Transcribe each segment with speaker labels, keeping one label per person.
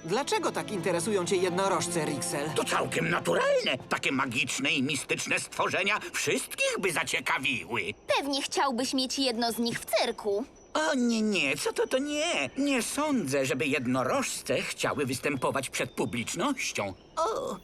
Speaker 1: Dlaczego tak interesują cię jednorożce, Rixel?
Speaker 2: To całkiem naturalne. Takie magiczne i mistyczne stworzenia wszystkich by zaciekawiły.
Speaker 3: Pewnie chciałbyś mieć jedno z nich w cyrku.
Speaker 2: O nie, co to nie. Nie sądzę, żeby jednorożce chciały występować przed publicznością. O!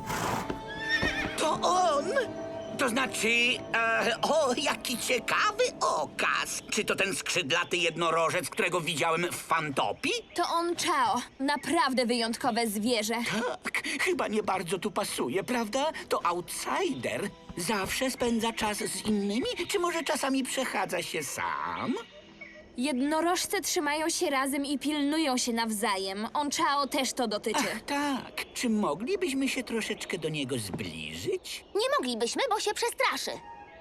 Speaker 2: To on! To znaczy, jaki ciekawy okaz. Czy to ten skrzydlaty jednorożec, którego widziałem w Fantopii?
Speaker 3: To on Chao. Naprawdę wyjątkowe zwierzę.
Speaker 2: Tak, chyba nie bardzo tu pasuje, prawda? To outsider. Zawsze spędza czas z innymi, czy może czasami przechadza się sam?
Speaker 3: Jednorożce trzymają się razem i pilnują się nawzajem. On Chao też to dotyczy.
Speaker 2: Ach, tak. Czy moglibyśmy się troszeczkę do niego zbliżyć?
Speaker 3: Nie moglibyśmy, bo się przestraszy.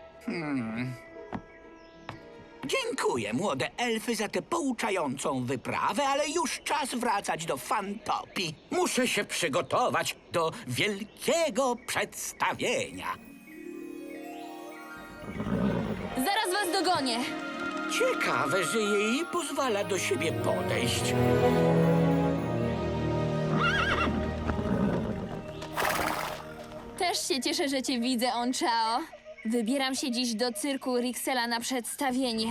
Speaker 2: Dziękuję, młode elfy, za tę pouczającą wyprawę, ale już czas wracać do Fantopii. Muszę się przygotować do wielkiego przedstawienia.
Speaker 3: Zaraz was dogonię.
Speaker 2: Ciekawe, że jej pozwala do siebie podejść.
Speaker 3: Też się cieszę, że cię widzę, On Chao. Wybieram się dziś do cyrku Rixela na przedstawienie.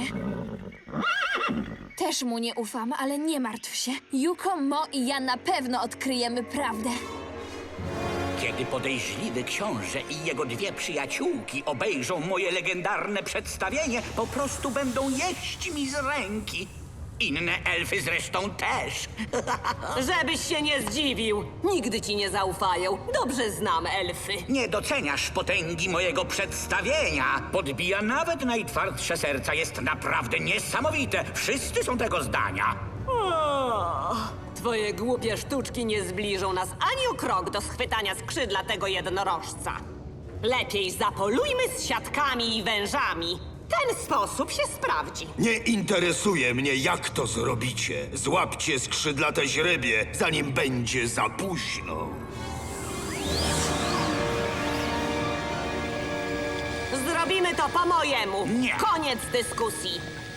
Speaker 3: Też mu nie ufam, ale nie martw się. Yuko, Mo i ja na pewno odkryjemy prawdę.
Speaker 2: Kiedy podejrzliwy książę i jego dwie przyjaciółki obejrzą moje legendarne przedstawienie, po prostu będą jeść mi z ręki. Inne elfy zresztą też.
Speaker 4: Żebyś się nie zdziwił. Nigdy ci nie zaufają. Dobrze znam elfy.
Speaker 2: Nie doceniasz potęgi mojego przedstawienia. Podbija nawet najtwardsze serca. Jest naprawdę niesamowite. Wszyscy są tego zdania.
Speaker 4: O, twoje głupie sztuczki nie zbliżą nas ani o krok do schwytania skrzydlatego jednorożca. Lepiej zapolujmy z siatkami i wężami. Ten sposób się sprawdzi.
Speaker 5: Nie interesuje mnie, jak to zrobicie. Złapcie skrzydlate źrebie, zanim będzie za późno.
Speaker 4: Zrobimy to po mojemu.
Speaker 2: Nie.
Speaker 4: Koniec dyskusji.